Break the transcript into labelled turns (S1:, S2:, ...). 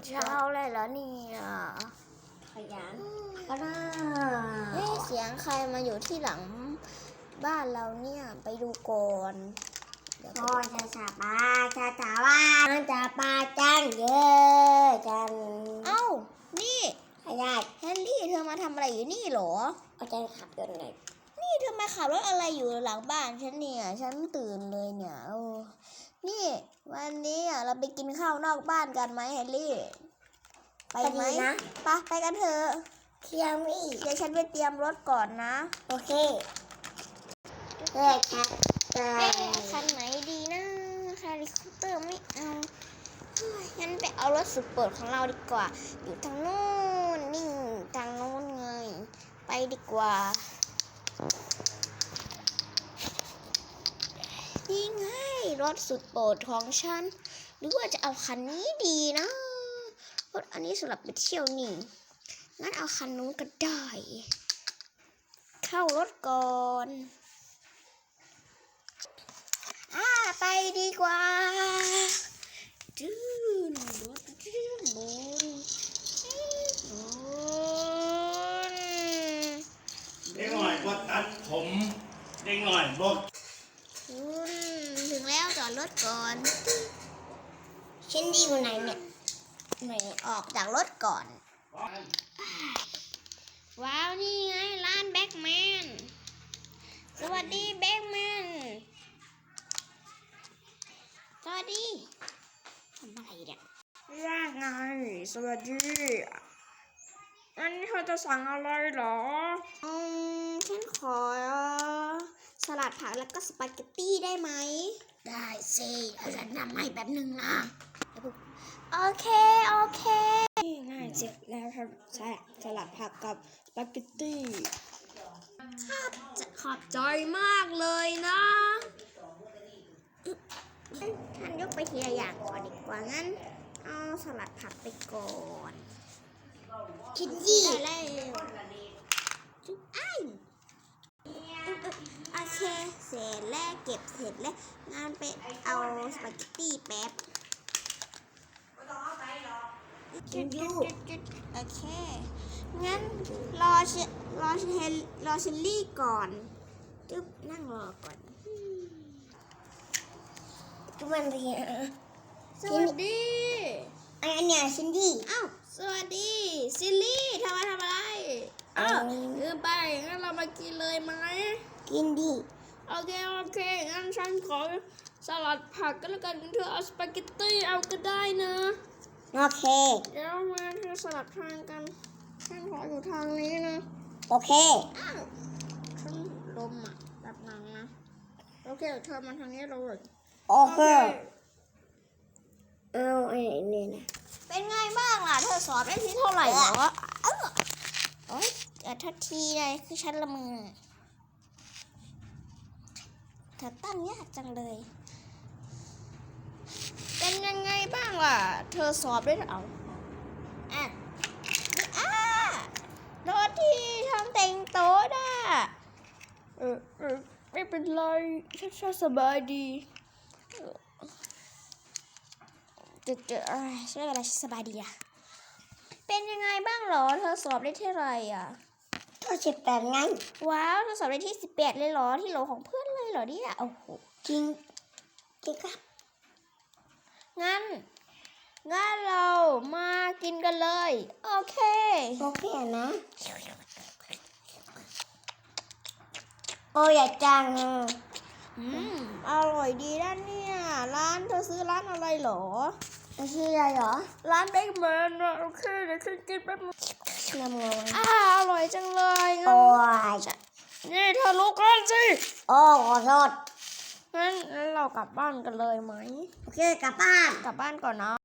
S1: เช้าเลยเหรอเนี่ย
S2: ขยันก็ได้
S1: เสียงใครมาอยู่ที่หลังบ้านเราเนี่ยไปดูก่อน
S2: พ่อจะสาบาจะสาว่าจะปาจังเยอะจัง
S1: เอ้านี่
S2: ขยัน
S1: แฮร์รี่เธอมาทำอะไรอยู่นี่เหรอ
S2: เอาใจขับยนต์หน่อย
S1: นี่เธอมาขับรถอะไรอยู่หลังบ้านฉันเนี่ยฉันตื่นเลยเนี่ยนี่วันนี้เราไปกินข้าวนอกบ้านกันไหมแฮร์รี่ไปไหม
S2: นะ
S1: ไปกันเถอะ
S2: เที่ยงนี่
S1: เดี๋ยวฉันไปเตรียมรถก่อนนะ
S2: โอเคเฮ้ยครับ
S1: คันไหนดีนะคาริคอปเตอร์ไม่เอางั้นไปเอารถสุดโปรดของเราดีกว่าอยู่ทางโน้นนี่ทางโน้นไงไปดีกว่านี่ไงรถสุดโปรดของฉันหรือว่าจะเอาคันนี้ดีนะรถอันนี้สำหรับไปเที่ยวนี่งั้นเอาคันนู้นก็ได้เข้ารถก่อนไปดีกว่าดื้นรถดื้นบน
S3: เด็กหน่อยบดตัดผมเด็กหน่อยบด
S1: ถึงแล้วจอดรถก่อน
S2: ฉันดีอยู่ไหนเนี่ย
S1: ไหนออกจากรถก่อนว้าวนี่ไงร้านแบ็คแมนสวัสดีแบ็คแมนสวัสดีทำอะไรเนี่ย
S4: ว่าไงสวัสดีอันนี้เธอจะสั่งอะไรเหรอ
S1: ฉันขอสลัดผักแล้วก็สปาเกตตี้ได้ไหม
S2: ได้สิเดี๋ยวฉันทำให้แป๊บนึงนะ
S1: โอเค
S4: ง่ายเสร็จแล้วครับสลัดผักกับสปาเกตตี้
S1: ขอบใจมากเลยนะท่านยกไปทีละอย่างก่อนดีกว่างั้นเอาสลัดผักไปก่อน
S2: คิดยี่
S1: ได้แล้วโอเคเสร็จแล้วเก็บเสร็จแล้วงั้นไปเอาสปาเกตตี้แป๊บ
S2: คิดยู
S1: โอเคงั้นรอเชลลี่ก่อนจึ๊บนั่งรอก่อน
S2: ทุกวันเรียน
S1: สวัสดี
S2: อันเนี้ยชินดี้
S1: อ้าวสวัสดีซิลลี่ทำอะไรอ้าวลืมไปงั้นเรามากินเลยไหม
S2: กินดี
S4: โอเคงั้นฉันขอสลัดผักก็แล้วกันเธอเอาสปาเกตตี้เอาก็ได้นะ
S2: โอเค
S4: เดี๋ยวมาเธอสลับทางกันฉันขออยู่ทางนี้นะ
S2: โอเค
S1: อ้าวฉันลมแบบนั้นนะ
S4: โอเคเธอมาทางนี้เราเลย
S2: โอเคเอาไอ้นี่นะ
S1: เป็นไงบ้างล่ะเธอสอบได้ที่เท่าไหร่เหรอโอ๊ยทักทีเลยคือฉันละมือเธอตั้งยากจังเลย
S4: เป็นยังไงบ้างล่ะเธอสอบได้เอา
S1: โทษที่ทำแต่งโต๊ะน่ะ
S4: ไม่เป็นไรฉันสบายดี
S1: ใช่เวลาสบายดีอะเป็นยังไงบ้างเหรอเธอสอบได้ที่ไรอะ
S2: ก็18ไง
S1: ว้าวเธอสอบได้ที่18เลยเหรอที่โหลของเพื่อนเลยเหรอเนี่ยโอ้โห
S2: จริงครับ
S1: งั้นเรามากินกันเลยโอเค
S2: นะโอ้ยจัง
S1: อร่อยดีนะเนี่ยร้านเธอซื้อร้านอะไรเหรอ
S2: ชื่ออะไรเหรอ
S4: ร้านเบคแมนนะโอเคเดี๋ยวฉันกินแป๊บนึง
S1: อร่อยจังเลย
S2: โอ้ย
S4: นี่เธอลุกก่อนสิ
S2: โอ้ขอโทษ
S4: งั้นเรากลับบ้านกันเลยไหม
S2: โอเคกลับบ้าน
S4: ก่อนนะ